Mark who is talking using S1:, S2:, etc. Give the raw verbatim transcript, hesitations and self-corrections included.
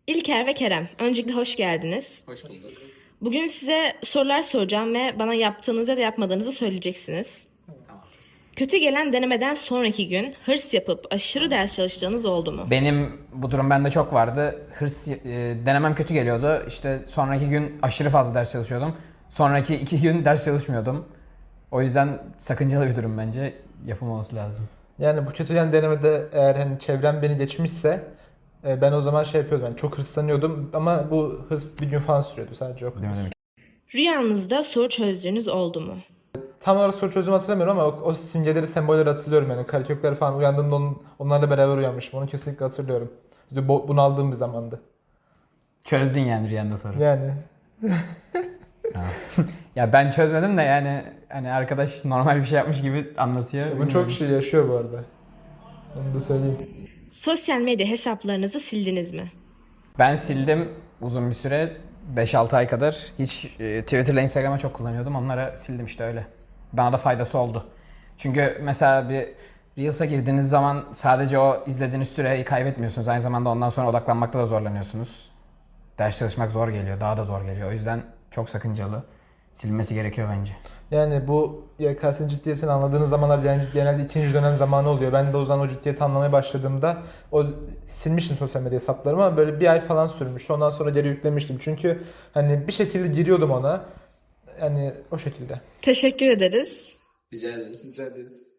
S1: İlker ve Kerem, öncelikle hoş geldiniz.
S2: Hoş bulduk.
S1: Bugün size sorular soracağım ve bana yaptığınızı ya da yapmadığınızı söyleyeceksiniz.
S2: Tamam.
S1: Kötü gelen denemeden sonraki gün hırs yapıp aşırı ders çalıştığınız oldu mu?
S3: Benim bu durum bende çok vardı. Hırs e, denemem kötü geliyordu. İşte sonraki gün aşırı fazla ders çalışıyordum. Sonraki iki gün ders çalışmıyordum. O yüzden sakıncalı bir durum bence. Yapılmaması lazım.
S4: Yani bu kötü yan denemede eğer hani çevrem beni geçmişse e, ben o zaman şey yapıyordum. Yani çok hırslanıyordum ama bu hırs bir gün falan sürüyordu sadece o kadar.
S3: Değil mi, değil mi?
S1: Rüyanızda soru çözdüğünüz oldu mu?
S4: Tam olarak soru çözümü hatırlamıyorum ama o, o simgeleri, sembolleri hatırlıyorum yani. Karekökler falan uyandığımda onun, onlarla beraber uyanmışım. Onu kesinlikle hatırlıyorum. İşte bu, bunaldığım bir zamandı.
S3: Çözdün yani rüyanda soru.
S4: Yani
S3: Ha. Ya ben çözmedim de yani hani arkadaş normal bir şey yapmış gibi anlatıyor.
S4: bunu
S3: Bilmiyorum.
S4: çok kişi yaşıyor bu arada. Onu da söyleyeyim.
S1: Sosyal medya hesaplarınızı sildiniz mi?
S3: Ben sildim uzun bir süre. beş altı ay kadar. Hiç e, Twitter'la Instagram'a çok kullanıyordum. Onlara sildim işte öyle. Bana da faydası oldu. Çünkü mesela bir Reels'a girdiğiniz zaman sadece o izlediğiniz süreyi kaybetmiyorsunuz. Aynı zamanda ondan sonra odaklanmakta da zorlanıyorsunuz. Ders çalışmak zor geliyor. Daha da zor geliyor. O yüzden çok sakıncalı. Silinmesi gerekiyor bence.
S4: Yani bu Y K S'nin ciddiyetini anladığınız zamanlar yani genelde ikinci dönem zamanı oluyor. Ben de o zaman o ciddiyeti anlamaya başladığımda o silmiştim sosyal medya hesaplarımı ama böyle bir ay falan sürmüştü. Ondan sonra geri yüklemiştim. Çünkü hani bir şekilde giriyordum ona. Yani o şekilde.
S1: Teşekkür ederiz.
S2: Rica ederiz.
S4: Rica ederiz.